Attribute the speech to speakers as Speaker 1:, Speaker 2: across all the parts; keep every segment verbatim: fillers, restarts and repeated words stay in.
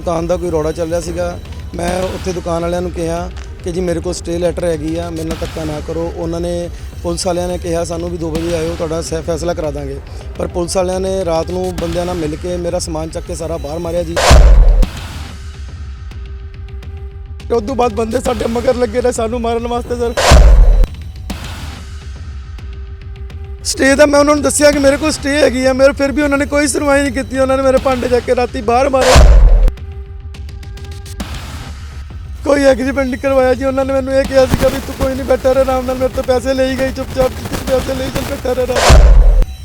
Speaker 1: ਦੁਕਾਨ ਦਾ ਕੋਈ ਰੌਲਾ ਚੱਲ ਰਿਹਾ ਸੀਗਾ। ਮੈਂ ਉੱਥੇ ਦੁਕਾਨ ਵਾਲਿਆਂ ਨੂੰ ਕਿਹਾ ਕਿ ਜੀ ਮੇਰੇ ਕੋਲ ਸਟੇ ਲੈਟਰ ਹੈਗੀ ਆ, ਮੇਰੇ ਨਾਲ ਧੱਕਾ ਨਾ ਕਰੋ। ਉਹਨਾਂ ਨੇ ਪੁਲਿਸ ਵਾਲਿਆਂ ਨੇ ਕਿਹਾ ਸਾਨੂੰ ਵੀ ਦੋ ਵਜੇ ਆਇਓ, ਤੁਹਾਡਾ ਸੈ ਫੈਸਲਾ ਕਰਾ ਦਾਂਗੇ। ਪਰ ਪੁਲਿਸ ਵਾਲਿਆਂ ਨੇ ਰਾਤ ਨੂੰ ਬੰਦਿਆਂ ਨਾਲ ਮਿਲ ਕੇ ਮੇਰਾ ਸਮਾਨ ਚੱਕ ਕੇ ਸਾਰਾ ਬਾਹਰ ਮਾਰਿਆ ਜੀ। ਉਸ ਤੋਂ ਬਾਅਦ ਬੰਦੇ ਸਾਡੇ ਮਗਰ ਲੱਗੇ ਰਹੇ ਸਾਨੂੰ ਮਾਰਨ ਵਾਸਤੇ ਸਰ। ਸਟੇ ਦਾ ਮੈਂ ਉਹਨਾਂ ਨੂੰ ਦੱਸਿਆ ਕਿ ਮੇਰੇ ਕੋਲ ਸਟੇ ਹੈਗੀ ਆ, ਮੇਰੇ ਫਿਰ ਵੀ ਉਹਨਾਂ ਨੇ ਕੋਈ ਸੁਣਵਾਈ ਨਹੀਂ ਕੀਤੀ। ਉਹਨਾਂ ਨੇ ਮੇਰੇ ਭਾਂਡੇ ਚੱਕ ਕੇ ਰਾਤੀ ਬਾਹਰ ਮਾਰੇ। ਕੋਈ ਐਗਰੀਮੈਂਟ ਨਹੀਂ ਕਰਵਾਇਆ ਜੀ। ਉਹਨਾਂ ਨੇ ਮੈਨੂੰ ਇਹ ਕਿਹਾ ਸੀਗਾ ਵੀ ਤੂੰ ਕੋਈ ਨਹੀਂ ਬੈਠਾ ਰਹਿ ਆਰਾਮ ਨਾਲ। ਮੇਰੇ ਤੋਂ ਪੈਸੇ ਲਈ ਗਈ ਚੁੱਪਚਾਪ, ਪੈਸੇ ਲਈ ਚੱਲ ਬੈਠਾ ਰਹਿ।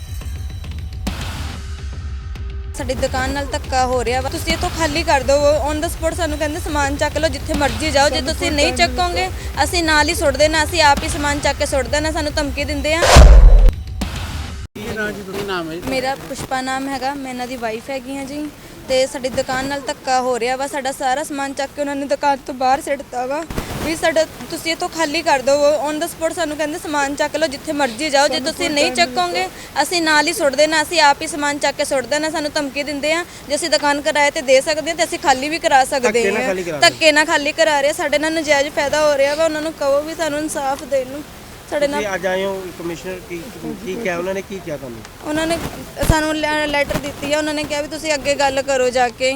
Speaker 2: ਸਾਡੀ ਦੁਕਾਨ ਨਾਲ ਧੱਕਾ ਹੋ ਰਿਹਾ ਵਾ, ਤੁਸੀਂ ਇੱਥੋਂ ਖਾਲੀ ਕਰ ਦਿਓ। ਔਨ ਦਾ ਸਪੋਟ ਸਾਨੂੰ ਕਹਿੰਦੇ ਸਮਾਨ ਚੱਕ ਲਓ, ਜਿੱਥੇ ਮਰਜ਼ੀ ਜਾਓ। ਜੇ ਤੁਸੀਂ ਨਹੀਂ ਚੱਕੋਗੇ ਅਸੀਂ ਨਾਲ ਹੀ ਸੁੱਟ ਦੇਣਾ, ਅਸੀਂ ਆਪ ਹੀ ਸਮਾਨ ਚੱਕ ਕੇ ਸੁੱਟ ਦੇਣਾ। ਸਾਨੂੰ ਧਮਕੀ ਦਿੰਦੇ ਆ। ਮੇਰਾ ਪੁਸ਼ਪਾ ਨਾਮ ਹੈਗਾ, ਮੈਂ ਇਹਨਾਂ ਦੀ ਵਾਈਫ ਹੈਗੀ ਹਾਂ ਜੀ। ਤੇ ਸਾਡੀ ਦੁਕਾਨ ਨਾਲ ਧੱਕਾ ਹੋ ਰਿਹਾ ਵਾ, ਸਾਡਾ ਸਾਰਾ ਸਮਾਨ ਚੱਕ ਕੇ ਉਹਨਾਂ ਨੇ ਦੁਕਾਨ ਤੋਂ ਬਾਹਰ ਸਿੱਟਤਾ ਵਾ ਵੀ ਸਾਡਾ ਤੁਸੀਂ ਇੱਥੋਂ ਖਾਲੀ ਕਰ ਦਿਓ। ਔਨ ਦਾ ਸਪੋਟ ਸਾਨੂੰ ਕਹਿੰਦੇ ਸਮਾਨ ਚੱਕ ਲਓ, ਜਿੱਥੇ ਮਰਜ਼ੀ ਜਾਓ। ਜੇ ਤੁਸੀਂ ਨਹੀਂ ਚੱਕੋਗੇ ਅਸੀਂ ਨਾਲ ਹੀ ਸੁੱਟ ਦੇਣਾ, ਅਸੀਂ ਆਪ ਹੀ ਸਮਾਨ ਚੱਕ ਕੇ ਸੁੱਟ ਦੇਣਾ। ਸਾਨੂੰ ਧਮਕੀ ਦਿੰਦੇ ਆ ਜੇ ਅਸੀਂ ਦੁਕਾਨ ਕਿਰਾਏ ਤੇ ਦੇ ਸਕਦੇ ਹਾਂ ਤੇ ਅਸੀਂ ਖਾਲੀ ਵੀ ਕਰਾ ਸਕਦੇ ਹਾਂ। ਧੱਕੇ ਨਾਲ ਖਾਲੀ ਕਰਾ ਰਹੇ, ਸਾਡੇ ਨਾਲ ਨਜਾਇਜ਼ ਫਾਇਦਾ ਹੋ ਰਿਹਾ ਵਾ। ਉਹਨਾਂ ਨੂੰ ਕਹੋ ਵੀ ਸਾਨੂੰ ਇਨਸਾਫ ਦੇਣ ਨੂੰ। ਸਾਡੇ ਨਾਲ
Speaker 3: ਅੱਜ ਆਏ ਹੋ ਕਮਿਸ਼ਨਰ ਕੀ ਕੀ ਕਿਹਾ ਉਹਨਾਂ ਨੇ, ਕੀ ਕਿਹਾ ਤੁਹਾਨੂੰ?
Speaker 2: ਉਹਨਾਂ ਨੇ ਸਾਨੂੰ ਲੈਟਰ ਦਿੱਤੀ ਆ। ਉਹਨਾਂ ਨੇ ਕਿਹਾ ਵੀ ਤੁਸੀਂ ਅੱਗੇ ਗੱਲ ਕਰੋ ਜਾ ਕੇ।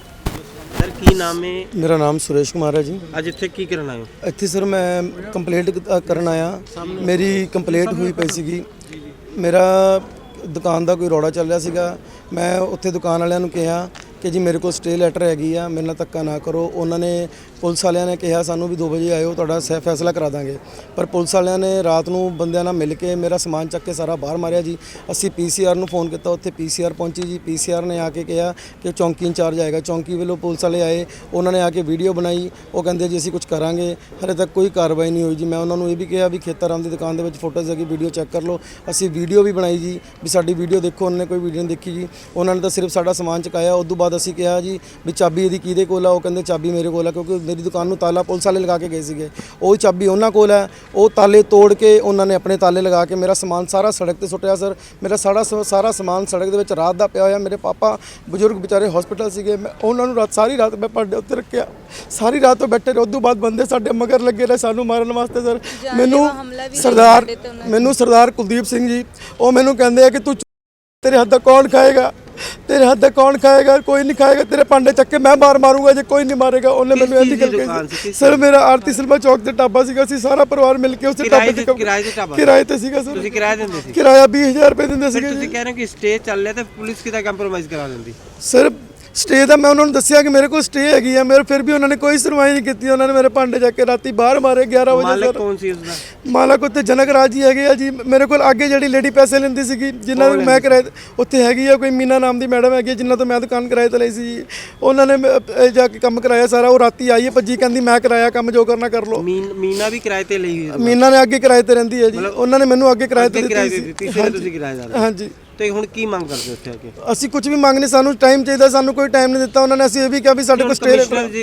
Speaker 3: ਸਰ ਕੀ ਨਾਮ ਹੈ?
Speaker 1: ਮੇਰਾ ਨਾਮ ਸੁਰੇਸ਼ ਕੁਮਾਰ ਹੈ ਜੀ।
Speaker 3: ਅੱਜ ਇੱਥੇ ਕੀ ਕਰਨ ਆਏ ਹੋ?
Speaker 1: ਇੱਥੇ ਸਰ ਮੈਂ ਕੰਪਲੇਂਟ ਕਰਨ ਆਇਆ। ਮੇਰੀ ਕੰਪਲੇਂਟ ਹੋਈ ਪਈ ਸੀਗੀ। ਮੇਰਾ ਦੁਕਾਨ ਦਾ ਕੋਈ ਰੌਲਾ ਚੱਲ ਰਿਹਾ ਸੀਗਾ। ਮੈਂ ਉੱਥੇ ਦੁਕਾਨ ਵਾਲਿਆਂ ਨੂੰ ਕਿਹਾ ਕਿ ਜੀ ਮੇਰੇ ਕੋਲ ਸਟੇ ਲੈਟਰ ਹੈਗੀ ਆ, ਮੇਰੇ ਨਾਲ ਧੱਕਾ ਨਾ ਕਰੋ। ਉਹਨਾਂ ਨੇ ਪੁਲਿਸ ਵਾਲਿਆਂ ਨੇ ਕਿਹਾ ਸਾਨੂੰ ਵੀ ਦੋ ਵਜੇ ਆਇਓ, ਤੁਹਾਡਾ ਸੈ ਫੈਸਲਾ ਕਰਾ ਦਾਂਗੇ। ਪਰ ਪੁਲਿਸ ਵਾਲਿਆਂ ਨੇ ਰਾਤ ਨੂੰ ਬੰਦਿਆਂ ਨਾਲ ਮਿਲ ਕੇ ਮੇਰਾ ਸਮਾਨ ਚੱਕ ਕੇ ਸਾਰਾ ਬਾਹਰ ਮਾਰਿਆ ਜੀ। ਅਸੀਂ ਪੀਸੀਆਰ ਨੂੰ ਫੋਨ ਕੀਤਾ, ਉੱਥੇ ਪੀਸੀਆਰ ਪਹੁੰਚੀ ਜੀ। ਪੀਸੀਆਰ ਨੇ ਆ ਕੇ ਕਿਹਾ ਕਿ ਚੌਂਕੀ ਇੰਚਾਰਜ ਆਏਗਾ। ਚੌਂਕੀ ਵੱਲੋਂ ਪੁਲਿਸ ਵਾਲੇ ਆਏ, ਉਹਨਾਂ ਨੇ ਆ ਕੇ ਵੀਡੀਓ ਬਣਾਈ। ਉਹ ਕਹਿੰਦੇ ਜੀ ਅਸੀਂ ਕੁਝ ਕਰਾਂਗੇ। ਹਾਲੇ ਤੱਕ ਕੋਈ ਕਾਰਵਾਈ ਨਹੀਂ ਹੋਈ ਜੀ। ਮੈਂ ਉਹਨਾਂ ਨੂੰ ਇਹ ਵੀ ਕਿਹਾ ਵੀ ਖੇਤਾਰਾਮ ਦੀ ਦੁਕਾਨ ਦੇ ਵਿੱਚ ਫੋਟੋਜ਼ ਹੈਗੀ, ਵੀਡੀਓ ਚੈੱਕ ਕਰ ਲਓ। ਅਸੀਂ ਵੀਡੀਓ ਵੀ ਬਣਾਈ ਜੀ ਵੀ ਸਾਡੀ ਵੀਡੀਓ ਦੇਖੋ। ਉਹਨਾਂ ਨੇ ਕੋਈ ਵੀਡੀਓ ਨਹੀਂ ਦੇਖੀ ਜੀ। ਉਹਨਾਂ ਨੇ ਤਾਂ ਸਿਰਫ ਸਾਡਾ ਸਮਾਨ ਚੁਕਾਇਆ। ਉਸ ਤੋਂ ਬਾਅਦ ਅਸੀਂ ਕਿਹਾ ਜੀ ਵੀ ਚਾਬੀ ਇਹਦੀ ਕਿਹਦੇ ਕੋਲ ਆ? ਉਹ ਕਹਿੰਦੇ ਚਾਬੀ ਮੇਰੇ ਕੋਲ ਆ, ਕਿਉਂਕਿ ਮੇਰੀ ਦੁਕਾਨ ਨੂੰ ਤਾਲਾ ਪੁਲਿਸ ਵਾਲੇ ਲਗਾ ਕੇ ਗਏ ਸੀਗੇ। ਉਹ ਚਾਬੀ ਉਹਨਾਂ ਕੋਲ ਹੈ। ਉਹ ਤਾਲੇ ਤੋੜ ਕੇ ਉਹਨਾਂ ਨੇ ਆਪਣੇ ਤਾਲੇ ਲਗਾ ਕੇ ਮੇਰਾ ਸਮਾਨ ਸਾਰਾ ਸੜਕ ਤੇ ਸੁੱਟਿਆ ਸਰ। ਮੇਰਾ ਸਾਰਾ ਸਾਰਾ ਸਮਾਨ ਸੜਕ ਦੇ ਵਿੱਚ ਰਾਤ ਦਾ ਪਿਆ ਹੋਇਆ। ਮੇਰੇ ਪਾਪਾ ਬਜ਼ੁਰਗ ਵਿਚਾਰੇ ਹਸਪੀਟਲ ਸੀਗੇ। ਮੈਂ ਉਹਨਾਂ ਨੂੰ ਰਾਤ ਸਾਰੀ ਰਾਤ ਮੈਂ ਭਾਂਡੇ ਉੱਤੇ ਰੱਖਿਆ, ਸਾਰੀ ਰਾਤ ਤੋਂ ਬੈਠੇ ਰਹੇ। ਉਸ ਤੋਂ ਬਾਅਦ ਬੰਦੇ ਸਾਡੇ ਮਗਰ ਲੱਗੇ ਰਹੇ ਸਾਨੂੰ ਮਾਰਨ ਵਾਸਤੇ ਸਰ। ਮੈਨੂੰ ਸਰਦਾਰ ਮੈਨੂੰ ਸਰਦਾਰ ਕੁਲਦੀਪ ਸਿੰਘ ਜੀ ਉਹ ਮੈਨੂੰ ਕਹਿੰਦੇ ਆ ਕਿ ਤੂੰ ਤੇਰੇ ਹੱਥ ਦਾ ਕੌਣ ਖਾਏਗਾ, ਤੇਰੇ ਹੱਥ ਦਾ ਕੌਣ ਖਾਏਗਾ? ਕੋਈ ਨਹੀਂ ਖਾਏਗਾ। ਤੇਰੇ ਭਾਂਡੇ ਚੱਕ ਕੇ ਮੈਂ ਮਾਰ ਮਾਰੂੰਗਾ ਜੇ ਕੋਈ ਨਹੀਂ ਮਾਰੇਗਾ। ਉਹਨੇ ਮੈਨੂੰ ਐਸੀ ਗੱਲ ਕਹੀ ਸਰ। ਮੇਰਾ ਆਰਤੀ ਸਿਲਮਾ ਚੌਕ ਤੇ ਢਾਬਾ ਸੀਗਾ। ਅਸੀਂ ਸਾਰਾ ਪਰਿਵਾਰ ਮਿਲ ਕੇ ਉਸੇ ਢਾਬੇ ਤੇ ਕਿਰਾਏ ਤੇ ਸੀਗਾ ਸਰ।
Speaker 3: ਤੁਸੀਂ ਕਿਰਾਇਆ ਦਿੰਦੇ ਸੀ?
Speaker 1: ਕਿਰਾਇਆ ਵੀਹ ਹਜ਼ਾਰ ਰੁਪਏ ਦਿੰਦੇ ਸੀਗੇ।
Speaker 3: ਤੁਸੀਂ ਕਹਿ ਰਹੇ ਹੋ ਕਿ ਸਟੇ ਚੱਲ ਰਿਹਾ ਤੇ ਪੁਲਿਸ ਕਿਦਾ ਕੰਪਰੋਮਾਈਜ਼ ਕਰਾ ਦਿੰਦੀ?
Speaker 1: ਸਰ ਸਟੇ ਦਾ ਮੈਂ ਉਹਨਾਂ ਨੂੰ ਦੱਸਿਆ ਕਿ ਮੇਰੇ ਕੋਲ ਸਟੇ ਹੈਗੀ ਆ, ਮੇਰੇ ਫਿਰ ਵੀ ਉਹਨਾਂ ਨੇ ਕੋਈ ਸੁਣਵਾਈ ਨਹੀਂ ਕੀਤੀ। ਉਹਨਾਂ ਨੇ ਮੇਰੇ ਭਾਂਡੇ ਚੱਕ ਕੇ ਰਾਤੀ ਬਾਹਰ ਮਾਰੇ ਗਿਆਰਾਂ ਵਜੇ।
Speaker 3: ਮਾਲਕ ਕੌਣ ਸੀ ਉਸਦਾ?
Speaker 1: ਮਾਲਕ ਉੱਤੇ ਜਨਕ ਰਾਜ ਜੀ ਹੈਗੇ ਆ ਜੀ। ਮੇਰੇ ਕੋਲ ਅੱਗੇ ਜਿਹੜੀ ਲੇਡੀ ਪੈਸੇ ਲੈਂਦੀ ਸੀਗੀ, ਜਿਨ੍ਹਾਂ ਨੂੰ ਮੈਂ ਕਿਰਾਏ ਉੱਥੇ ਹੈਗੀ ਆ ਕੋਈ ਮੀਨਾ ਨਾਮ ਦੀ ਮੈਡਮ ਹੈਗੀ, ਜਿਨ੍ਹਾਂ ਤੋਂ ਮੈਂ ਦੁਕਾਨ ਕਿਰਾਏ ਤੇ ਲਈ ਸੀ ਜੀ। ਉਹਨਾਂ ਨੇ ਜਾ ਕੇ ਕੰਮ ਕਰਾਇਆ ਸਾਰਾ। ਉਹ ਰਾਤੀ ਆਈ ਹੈ ਭੱਜੀ, ਕਹਿੰਦੀ ਮੈਂ ਕਰਾਇਆ ਕੰਮ, ਜੋ ਕਰਨਾ ਕਰ ਲਓ।
Speaker 3: ਮੀਨਾ ਵੀ ਕਿਰਾਏ ਤੇ ਲਈ ਹੋਈ?
Speaker 1: ਮੀਨਾ ਨੇ ਅੱਗੇ ਕਿਰਾਏ ਤੇ ਰਹਿੰਦੀ ਹੈ ਜੀ। ਉਹਨਾਂ ਨੇ ਮੈਨੂੰ ਅੱਗੇ ਕਿਰਾਏ ਤੇ ਦਿੱਤੀ ਸੀ।
Speaker 3: ਤੁਸੀਂ ਕਿਰਾਏਦਾਰ? ਹਾਂਜੀ। ਤੇ ਹੁਣ ਕੀ ਮੰਗ ਕਰਦੇ ਹੋ ਇੱਥੇ ਆ ਕੇ?
Speaker 1: ਅਸੀਂ ਕੁਝ ਵੀ ਮੰਗ ਨਹੀਂ, ਸਾਨੂੰ ਟਾਈਮ ਚਾਹੀਦਾ। ਸਾਨੂੰ ਕੋਈ ਟਾਈਮ ਨਹੀਂ ਦਿੱਤਾ ਉਹਨਾਂ ਨੇ। ਅਸੀਂ ਇਹ ਵੀ ਕਿਹਾ ਵੀ ਸਾਡੇ ਕੋਲ ਸਟੇ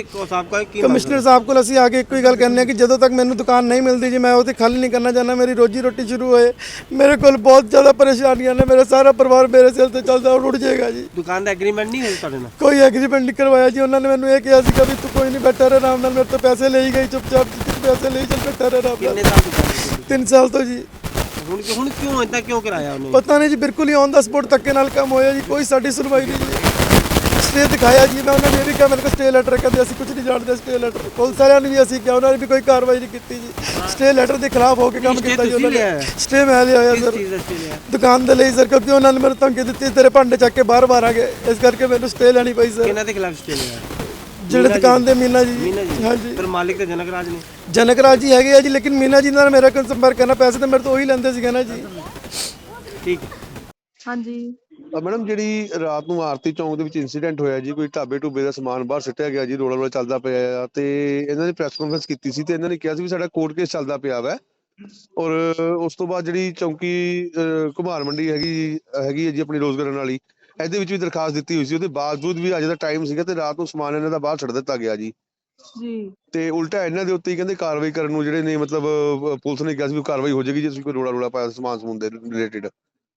Speaker 1: ਕਮਿਸ਼ਨਰ ਸਾਹਿਬ ਕੋਲ ਅਸੀਂ ਆ ਕੇ ਇੱਕੋ ਹੀ ਗੱਲ ਕਹਿੰਦੇ ਹਾਂ ਕਿ ਜਦੋਂ ਤੱਕ ਮੈਨੂੰ ਦੁਕਾਨ ਨਹੀਂ ਮਿਲਦੀ ਜੀ ਮੈਂ ਉਹ ਤੇ ਖਾਲੀ ਨਹੀਂ ਕਰਨਾ ਚਾਹੁੰਦਾ। ਮੇਰੀ ਰੋਜੀ ਰੋਟੀ ਸ਼ੁਰੂ ਹੋਏ। ਮੇਰੇ ਕੋਲ ਬਹੁਤ ਜ਼ਿਆਦਾ ਪਰੇਸ਼ਾਨੀਆਂ ਨੇ। ਮੇਰਾ ਸਾਰਾ ਪਰਿਵਾਰ ਮੇਰੇ ਸਿਰ ਤੇ ਚੱਲਦਾ, ਉਹ ਰੁੜ ਜਾਏਗਾ ਜੀ।
Speaker 3: ਦੁਕਾਨ ਦਾ ਐਗਰੀਮੈਂਟ ਨਹੀਂ ਹੋਇਆ ਤੁਹਾਡੇ ਨਾਲ?
Speaker 1: ਕੋਈ ਐਗਰੀਮੈਂਟ ਨਹੀਂ ਕਰਵਾਇਆ ਜੀ। ਉਹਨਾਂ ਨੇ ਮੈਨੂੰ ਇਹ ਕਿਹਾ ਸੀਗਾ ਵੀ ਤੂੰ ਕੋਈ ਨਹੀਂ ਬੈਠਾ ਰਹਿ ਆਰਾਮ ਨਾਲ। ਮੇਰੇ ਤੋਂ ਪੈਸੇ ਲਈ ਗਈ ਚੁੱਪਚਾਪ, ਪੈਸੇ ਲਈ ਚੱਲ ਬੈਠਾ ਰਹਿ ਆਰਾਮ ਨਾਲ।
Speaker 3: ਕਿੰਨੇ ਸਾਲ ਦੁਕਾਨ? ਤਿੰਨ
Speaker 1: ਸਾਲ ਤੋਂ ਜੀ।
Speaker 3: ਹੁਣ ਹੁਣ ਕਿਉਂ ਇਦਾਂ ਕਿਉਂ ਕਰਾਇਆ ਉਹਨੇ?
Speaker 1: ਪਤਾ ਨਹੀਂ ਜੀ, ਬਿਲਕੁਲ ਹੀ ਔਨ ਦਾ ਸਪੋਟ ਧੱਕੇ ਨਾਲ ਕੰਮ ਹੋਇਆ ਜੀ। ਕੋਈ ਸਾਡੀ ਸੁਣਵਾਈ ਨਹੀਂ ਜੀ। ਸਟੇ ਦਿਖਾਇਆ ਜੀ ਮੈਂ ਉਹਨਾਂ ਨੇ, ਇਹ ਵੀ ਕਿਹਾ ਮੇਰੇ ਕੋਲ ਸਟੇ ਲੈਟਰ, ਕਹਿੰਦੇ ਅਸੀਂ ਕੁਝ ਨਹੀਂ ਜਾਣਦੇ ਸਟੇ ਲੈਟਰ। ਪੁਲਿਸ ਵਾਲਿਆਂ ਨੂੰ ਵੀ ਅਸੀਂ ਕਿਹਾ, ਉਹਨਾਂ ਨੇ ਵੀ ਕੋਈ ਕਾਰਵਾਈ ਨਹੀਂ ਕੀਤੀ ਜੀ। ਸਟੇ ਲੈਟਰ ਦੇ ਖਿਲਾਫ ਹੋ ਕੇ ਕੰਮ ਕੀਤਾ ਜੀ ਉਹਨਾਂ ਨੇ। ਸਟੇ ਮੈਂ ਲਿਆ ਹੋਇਆ ਸਰ ਦੁਕਾਨ ਦੇ ਲਈ ਸਰ, ਕਿਉਂਕਿ ਉਹਨਾਂ ਨੇ ਮੈਨੂੰ ਧਮਕੀ ਦਿੱਤੀ ਤੇਰੇ ਭਾਂਡੇ ਚੱਕ ਕੇ ਬਾਹਰ ਮਾਰਾਂਗੇ, ਇਸ ਕਰਕੇ ਮੈਨੂੰ ਸਟੇ ਲੈਣੀ ਪਈ ਸਰ।
Speaker 3: ਕਿਹਨਾਂ ਦੇ ਖਿਲਾਫ ਸਟੇ ਲਿਆ?
Speaker 1: ਜਿਹੜੇ ਦੁਕਾਨ ਦੇ ਮੀਨਾ ਜੀ।
Speaker 3: ਹਾਂਜੀ। ਪਰ ਮਾਲਿਕ ਤੇ ਜਨਕ ਰਾਜ ਨੇ?
Speaker 1: ਜਨਕ ਰਾਜ ਜੀ ਹੈਗੇ ਆ ਜੀ, ਲੇਕਿਨ ਮੀਨਾ ਜੀ ਨਾਲ ਮੇਰਾ ਕੋਈ ਸੰਪਰਕ ਕਰਨਾ, ਪੈਸੇ ਤਾਂ ਮੇਰੇ ਤੋਂ ਉਹੀ ਲੈਂਦੇ ਸੀਗੇ ਨਾ ਜੀ।
Speaker 3: ਠੀਕ।
Speaker 4: ਹਾਂਜੀ
Speaker 5: ਮੈਡਮ, ਜਿਹੜੀ ਰਾਤ ਨੂੰ ਆਰਤੀ ਚੌਂਕ ਦੇ ਵਿੱਚ ਇੰਸੀਡੈਂਟ ਹੋਇਆ ਜੀ, ਕੋਈ ਢਾਬੇ ਢੂਬੇ ਦਾ ਸਮਾਨ ਬਾਹਰ ਸੁੱਟਿਆ ਗਿਆ ਜੀ, ਰੋਲਾ ਰੋਲਾ ਚੱਲਦਾ ਪਿਆ ਆ, ਤੇ ਇਹਨਾਂ ਨੇ ਪ੍ਰੈਸ ਕਾਨਫਰੰਸ ਕੀਤੀ ਸੀ ਤੇ ਇਹਨਾਂ ਨੇ ਕਿਹਾ ਸੀ ਵੀ ਸਾਡਾ ਕੋਰਟ ਕੇਸ ਚੱਲਦਾ ਪਿਆ ਵਾ। ਔਰ ਉਸ ਤੋਂ ਬਾਅਦ ਜਿਹੜੀ ਚੌਂਕੀ ਘੁਮਾਰ ਮੰਡੀ ਹੈਗੀ ਹੈਗੀ ਹੈ ਜੀ ਆਪਣੀ ਰੋਜ਼ਗਾਰਨ ਵਾਲੀ, ਇਹਦੇ ਵਿੱਚ ਵੀ ਦਰਖਾਸਤ ਦਿੱਤੀ ਹੋਈ ਸੀ। ਉਹਦੇ ਬਾਵਜੂਦ ਵੀ ਅੱਜ ਦਾ ਟਾਈਮ ਸੀਗਾ ਤੇ ਰਾਤ ਨੂੰ ਸਮਾਨ ਇਹਨਾਂ ਦਾ ਬਾਹਰ ਛੱਡ ਦਿੱਤਾ ਗਿਆ ਜੀ।
Speaker 4: ਜੀ
Speaker 5: ਤੇ ਉਲਟਾ ਇਹਨਾਂ ਦੇ ਉੱਤੇ ਹੀ ਕਹਿੰਦੇ ਕਾਰਵਾਈ ਕਰਨ ਨੂੰ ਜਿਹੜੇ ਨੇ, ਮਤਲਬ ਪੁਲਿਸ ਨੇ ਕਿਹਾ ਸੀ ਵੀ ਕਾਰਵਾਈ ਹੋ ਜਾਏਗੀ ਜੇ ਤੁਸੀਂ ਕੋਈ ਰੋਲਾ ਰੋਲਾ ਪਾਇਆ ਸਮਾਨ ਸਮੂਨ ਦੇ ਰਿਲੇਟਿਡ।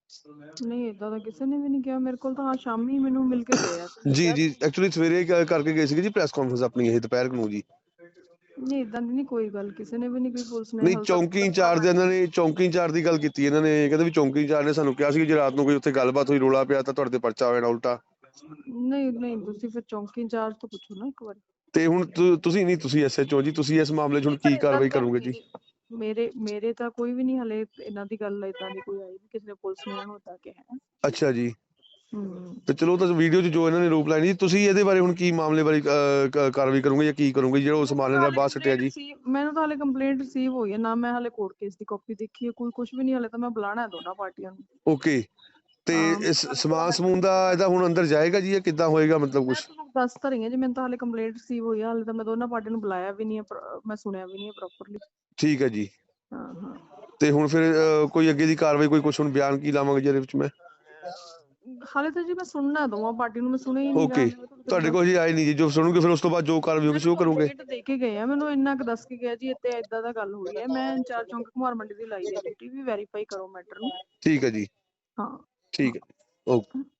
Speaker 4: ਨਹੀਂ ਇਦਾਂ ਦਾ ਕਿਸੇ ਨੇ ਵੀ ਨਹੀਂ ਕਿਹਾ ਮੇਰੇ ਕੋਲ ਤਾਂ। ਹਾਂ ਸ਼ਾਮੀ ਮੈਨੂੰ ਮਿਲ ਕੇ ਗਏ ਆ ਤੇ
Speaker 5: ਜੀ
Speaker 4: ਕਿਹਾ
Speaker 5: ਜੀ ਐਕਚੁਅਲੀ ਸਵੇਰੇ ਕ- ਕਰਕੇ ਗਏ ਸੀਗੇ ਜੀ ਪ੍ਰੈਸ ਕਾਨਫਰੰਸ ਆਪਣੀ ਇਹ ਦੁਪਹਿਰ ਨੂੰ ਜੀ।
Speaker 4: ਨਹੀਂ ਇਦਾਂ ਦੀ ਨਹੀਂ ਕੋਈ ਗੱਲ, ਕਿਸੇ ਨੇ ਵੀ ਨਹੀਂ ਕੋਈ, ਪੁਲਿਸ ਨੇ
Speaker 5: ਨਹੀਂ
Speaker 4: ਹਾਲੇ ਤੱਕ
Speaker 5: ਚੌਂਕੀ ਇੰਚਾਰਜ ਇਹਨਾਂ ਨੇ ਚੌਂਕੀ ਇੰਚਾਰਜ ਦੀ ਗੱਲ ਕੀਤੀ ਇਹਨਾਂ ਨੇ, ਕਹਿੰਦੇ ਵੀ ਚੌਂਕੀ ਇੰਚਾਰਜ ਨੇ ਸਾਨੂੰ ਕਿਹਾ ਸੀ ਕਿ ਜੇ ਰਾਤ ਨੂੰ ਕੋਈ ਉੱਥੇ ਗੱਲਬਾਤ ਹੋਈ ਰੋਲਾ ਪਿਆ ਤਾਂ ਤੁਹਾਡੇ ਤੇ ਪਰਚਾ ਹੋ ਜਾਣਾ ਉਲਟਾ।
Speaker 4: ਨਹੀਂ ਨਹੀਂ ਤੁਸੀਂ ਫਿਰ ਚੌਂਕੀ ਇੰਚਾਰਜ ਤੋਂ ਪੁੱਛੋ ਨਾ ਇੱਕ ਵਾਰੀ।
Speaker 5: ਤੇ ਹੁਣ ਤੁ- ਤੁਸੀਂ ਨਹੀਂ ਤੁਸੀਂ ਐਸਐਚਓ ਜੀ, ਤੁਸੀਂ ਇਸ ਮਾਮਲੇ 'ਚ ਹੁਣ ਕੀ ਕਾਰਵਾਈ ਕਰੋਗੇ ਜੀ?
Speaker 4: ਮੇਰੇ ਮੇਰੇ ਤਾਂ ਕੋਈ ਵੀ ਨਹੀਂ ਹਲੇ ਇਹਨਾਂ ਦੀ ਗੱਲ ਇਦਾਂ ਦੀ ਕੋਈ ਆਈ ਵੀ ਕਿਸੇ ਨੇ ਪੁਲਿਸ ਨੇ ਇਹਨਾਂ ਨੂੰ ਇਦਾਂ ਕਿਹਾ ਹੈ।
Speaker 5: ਅੱਛਾ ਜੀ।
Speaker 4: ਹੂੰ
Speaker 5: ਤੇ ਚਲੋ ਤਾਂ ਵੀਡੀਓ 'ਚ ਜੋ ਇਹਨਾਂ ਨੇ ਰੂਪ ਲਾਈ ਜੀ, ਤੁਸੀਂ ਇਹਦੇ ਬਾਰੇ ਹੁਣ ਕੀ ਮਾਮਲੇ ਬਾਰੇ ਅਹ, ਕ- ਕਾਰਵਾਈ ਕਰੋਗੇ ਜਾਂ ਕੀ ਕਰੋਗੇ ਜਿਹੜਾ ਉਹ ਸਮਾਨ ਇਹਨਾਂ ਦਾ ਬਾਹਰ ਸੱਟਿਆ ਜੀ?
Speaker 4: ਮੈਨੂੰ ਤਾਂ ਹਲੇ ਕੰਪਲੇਂਟ ਰਿਸੀਵ ਹੋਈ ਹੈ ਨਾ, ਮੈਂ ਹਲੇ ਕੋਰਟ ਕੇਸ ਦੀ ਕਾਪੀ ਦੇਖੀ ਹੈ, ਕੋਈ ਕੁਝ ਵੀ ਨਹੀਂ ਹਲੇ ਤਾਂ। ਮੈਂ ਬੁਲਾਣਾ ਹੈ ਦੋਨਾਂ ਪਾਰਟੀਆਂ ਨੂੰ।
Speaker 5: ਓਕੇ। ਤੇ
Speaker 4: ਹਾਂ।
Speaker 5: ਇਸ ਸਮਾਨ ਸਮੂਨ ਦਾ ਇਹਦਾ ਹੁਣ ਅੰਦਰ ਜਾਏਗਾ ਜੀ ਜਾਂ ਕਿੱਦਾਂ ਹੋਏਗਾ ਮਤਲਬ ਕੁਝ?
Speaker 4: ਮੈਂ ਤੁਹਾਨੂੰ ਦੱਸ ਤਾਂ ਰਹੀ ਹਾਂ ਜੀ, ਮੈਨੂੰ ਤਾਂ ਹਲੇ ਕੰਪਲੇਂਟ ਰਿਸੀਵ ਹੋਈ ਹੈ, ਹਲੇ ਤਾਂ ਮੈਂ ਦੋਨਾਂ ਪਾਰਟੀਆਂ ਨੂੰ ਬੁਲਾਇਆ ਵੀ ਨਹੀਂ ਹੈ, ਪਰ- ਮੈਂ ਸੁਣਿਆ ਵੀ ਨਹੀਂ ਹੈ ਪ੍ਰੋਪਰਲੀ।
Speaker 5: ਠੀਕ ਹੈ ਜੀ।
Speaker 4: ਹਾਂ ਹਾਂ
Speaker 5: ਤੇ ਹੁਣ ਫਿਰ ਅਹ, ਕੋਈ ਅੱਗੇ ਦੀ ਕਾਰਵਾਈ ਕੋਈ ਕੁਝ ਹੁਣ ਬਿਆਨ ਕੀ ਲਾਵਾਂਗੇ ਜਿਹਦੇ ਵਿੱਚ ਮੈਂ?
Speaker 4: ਹਾਲੇ ਤਾਂ ਜੀ ਮੈਂ ਸੁਣਨਾ ਦੋਵਾਂ ਪਾਰਟੀ ਨੂੰ, ਮੈਂ ਸੁਣਿਆ ਹੀ ਨਹੀਂ।
Speaker 5: ਓਕੇ। ਤੁਹਾਡੇ ਕੋਲ ਜੀ ਆਏ ਨਹੀਂ ਜੀ, ਜੋ ਸੁਣੋਗੇ ਫਿਰ ਉਸ ਤੋਂ ਬਾਅਦ ਜੋ ਕਾਰਵਾਈ ਹੋਗੀ ਉਹ ਕਰੋਗੇ?
Speaker 4: ਦੇ ਕੇ ਗਏ ਆ ਮੈਨੂੰ, ਇੰਨਾ ਕੁ ਦੱਸ ਕੇ ਗਿਆ ਜੀ ਇੱਥੇ ਏਦਾਂ ਦਾ ਗੱਲ ਹੋਈ ਹੈ। ਮੈਂ ਇੰਚਾਰਜ ਚੌਂਕ ਕੁਮਾਰ ਮੰਡੀ ਦੀ ਲਾਈ ਹੈ ਡਿਊਟੀ, ਵੀ ਵੈਰੀਫਾਈ ਕਰੋ ਮੈਟਰ ਨੂੰ।
Speaker 5: ਠੀਕ ਹੈ ਜੀ।
Speaker 4: ਹਾਂ
Speaker 5: ਠੀਕ ਹੈ ਓਕੇ।